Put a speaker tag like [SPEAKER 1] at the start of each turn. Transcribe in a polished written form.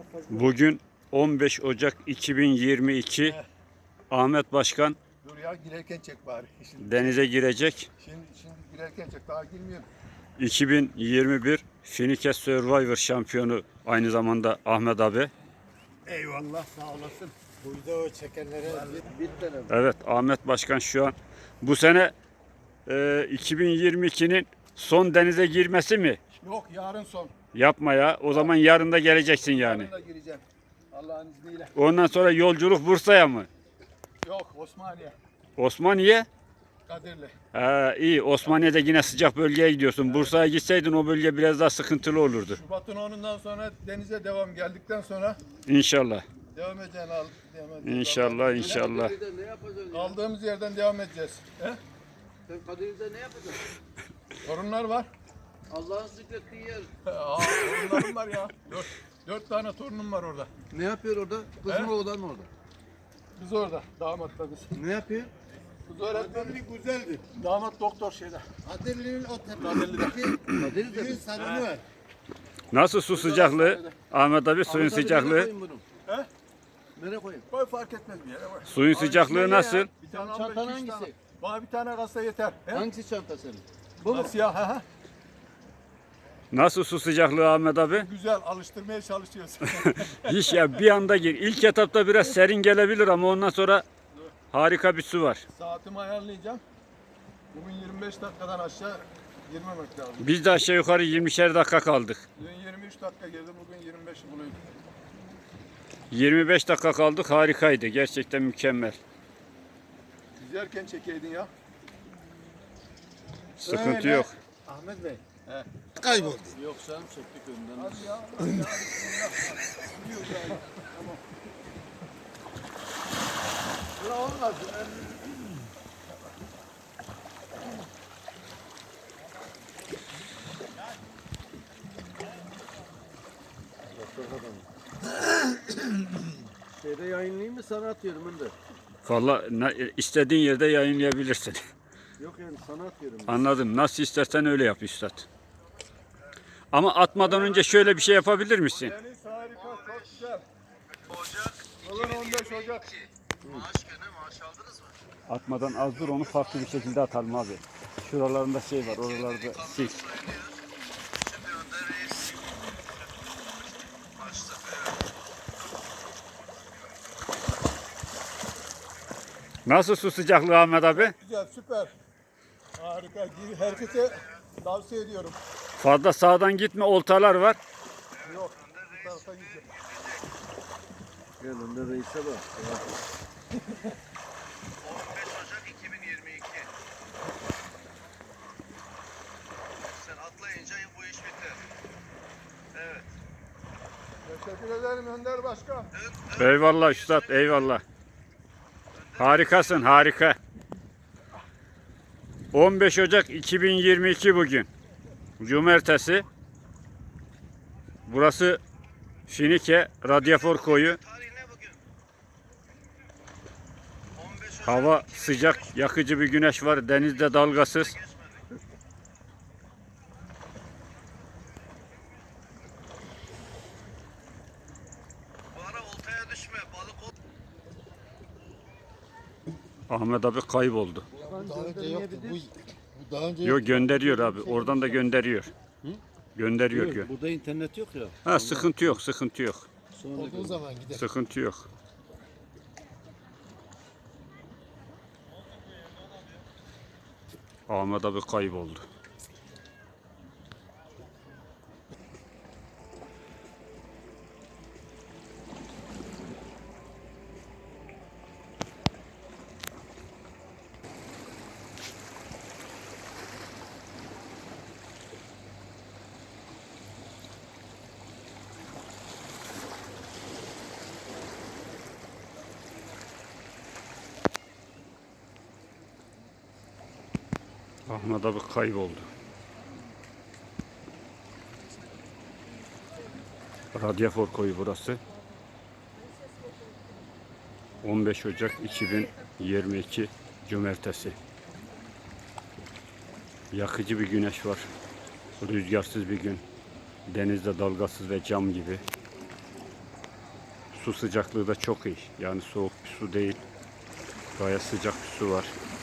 [SPEAKER 1] Bugün 15 Ocak 2022. Ahmet Başkan
[SPEAKER 2] Dur ya, girerken çek bari.
[SPEAKER 1] denize girecek.
[SPEAKER 2] Şimdi girerken çek, daha girmiyorum.
[SPEAKER 1] 2021 Finike Survivor şampiyonu aynı zamanda Ahmet abi.
[SPEAKER 2] Eyvallah, sağ olasın. Burada o çekenlere bir tane.
[SPEAKER 1] Evet, Ahmet Başkan şu an bu sene 2022'nin son denize girmesi mi?
[SPEAKER 2] Yok, yarın son.
[SPEAKER 1] Yapma ya. O zaman yarın da geleceksin yani.
[SPEAKER 2] Yarın da gireceğim. Allah'ın izniyle.
[SPEAKER 1] Ondan sonra yolculuk Bursa'ya mı?
[SPEAKER 2] Yok, Osmaniye.
[SPEAKER 1] Osmaniye?
[SPEAKER 2] Kadirli.
[SPEAKER 1] İyi. Osmaniye'de yine sıcak bölgeye gidiyorsun. Bursa'ya gitseydin o bölge biraz daha sıkıntılı olurdu.
[SPEAKER 2] Şubat'ın 10'undan sonra denize devam geldikten sonra
[SPEAKER 1] İnşallah.
[SPEAKER 2] devam edeceğiz.
[SPEAKER 1] İnşallah, inşallah.
[SPEAKER 3] Kadir'de ne yapacaksın?
[SPEAKER 2] Kaldığımız yerden devam edeceğiz. He?
[SPEAKER 3] Sen Kadir'de ne yapacaksın?
[SPEAKER 2] Torunlar var.
[SPEAKER 3] Allah'ın zikrettiği yer.
[SPEAKER 2] Torunlarım var ya. Dört tane torunum var orada.
[SPEAKER 3] Ne yapıyor orada? Kız
[SPEAKER 2] He?
[SPEAKER 3] mı oğlan mı orada?
[SPEAKER 2] Biz orada. Damat da biz.
[SPEAKER 3] Ne yapıyor?
[SPEAKER 2] Kız öğretmenlik güzeldi. Damat doktor şeyde.
[SPEAKER 4] Kadirli'nin o
[SPEAKER 2] Kadirli'de.
[SPEAKER 3] Kadir'de
[SPEAKER 4] düğün
[SPEAKER 3] mi?
[SPEAKER 4] salonu var.
[SPEAKER 1] Nasıl su sıcaklığı? Ahmet abi suyun
[SPEAKER 3] Ahmet abi, nereye
[SPEAKER 1] sıcaklığı.
[SPEAKER 3] koyayım bunu?
[SPEAKER 2] He?
[SPEAKER 3] Nereye koyayım?
[SPEAKER 2] Koy, fark etmez bir yere koy.
[SPEAKER 1] Suyun sıcaklığı nasıl?
[SPEAKER 2] Bir tane
[SPEAKER 3] Çantan
[SPEAKER 2] 15-20
[SPEAKER 3] hangisi?
[SPEAKER 2] tane. Bana bir tane kasa yeter. He?
[SPEAKER 3] Hangisi çanta senin? Bu mu?
[SPEAKER 2] Siyah. Ha.
[SPEAKER 1] Nasıl su sıcaklığı Ahmet abi?
[SPEAKER 2] Güzel, alıştırmaya çalışıyoruz.
[SPEAKER 1] Hiç ya, bir anda gir. İlk etapta biraz serin gelebilir ama ondan sonra harika bir su var.
[SPEAKER 2] Saatimi ayarlayacağım. Bugün 25 dakikadan aşağı girmemek lazım.
[SPEAKER 1] Biz de aşağı yukarı 20'şer dakika kaldık.
[SPEAKER 2] Dün 23 dakika girdi, bugün 25'i buluyor.
[SPEAKER 1] 25 dakika kaldık, harikaydı. Gerçekten mükemmel.
[SPEAKER 2] Yüzerken çekeydin ya.
[SPEAKER 1] Sıkıntı
[SPEAKER 2] Öyle.
[SPEAKER 1] yok.
[SPEAKER 4] Ahmet Bey.
[SPEAKER 2] He.
[SPEAKER 4] Kayboldu.
[SPEAKER 3] Yok sen çektik önden.
[SPEAKER 2] Hadi ya. Hadi ya. Biliyoruz yani. Tamam. Ya olmaz.
[SPEAKER 3] Şeyde yayınlayayım mı sana atıyorum ben de.
[SPEAKER 1] Vallahi istediğin yerde yayınlayabilirsin.
[SPEAKER 3] Yok yani sana atıyorum.
[SPEAKER 1] Anladım. Nasıl istersen öyle yap üstad. Ama atmadan önce şöyle bir şey yapabilir misin?
[SPEAKER 2] Deniz harika, çok güzel. Bugün 15 Ocak.
[SPEAKER 1] Atmadan az dur, onu farklı bir şekilde atalım abi. Şuralarında şey var, oralarda sil. Nasıl su sıcaklığı Ahmet abi?
[SPEAKER 2] Güzel, süper. Harika. Herkese tavsiye ediyorum.
[SPEAKER 1] Fazla sağdan gitme, oltalar var.
[SPEAKER 2] Yok, bu tarafa gideceğim.
[SPEAKER 3] Gel önde reise bak.
[SPEAKER 5] 15 Ocak 2022. Sen atlayınca bu iş biter. Evet.
[SPEAKER 2] Teşekkür ederim Önder Başkan.
[SPEAKER 1] Eyvallah üstad, eyvallah. Harikasın, harika. 15 Ocak 2022 bugün. Cumartesi. Burası Finike Radyafor Koyu.
[SPEAKER 5] Tarih ne bugün? 15 Ocak
[SPEAKER 1] Hava sıcak, yakıcı bir güneş var. Denizde dalgasız.
[SPEAKER 5] geçmedi. Bu ara oltaya düşme. Balık ol.
[SPEAKER 1] Ahmet abi kayboldu.
[SPEAKER 4] Daha önce yoktu. Bu daha önce
[SPEAKER 1] Yok, gönderiyor abi. Oradan da gönderiyor. Gönderiyor.
[SPEAKER 3] Yok, burada internet yok ya.
[SPEAKER 1] Ha, sıkıntı yok, sıkıntı yok.
[SPEAKER 3] Sonra
[SPEAKER 4] olduğu zaman gider.
[SPEAKER 1] Sıkıntı yok. Ahmet abi kayboldu. Ahmet abi kayboldu. Radyafor Koyu burası. 15 Ocak 2022 Cumartesi. Yakıcı bir güneş var. Rüzgarsız bir gün. Denizde dalgasız ve cam gibi. Su sıcaklığı da çok iyi. Yani soğuk bir su değil. Gayet sıcak bir su var.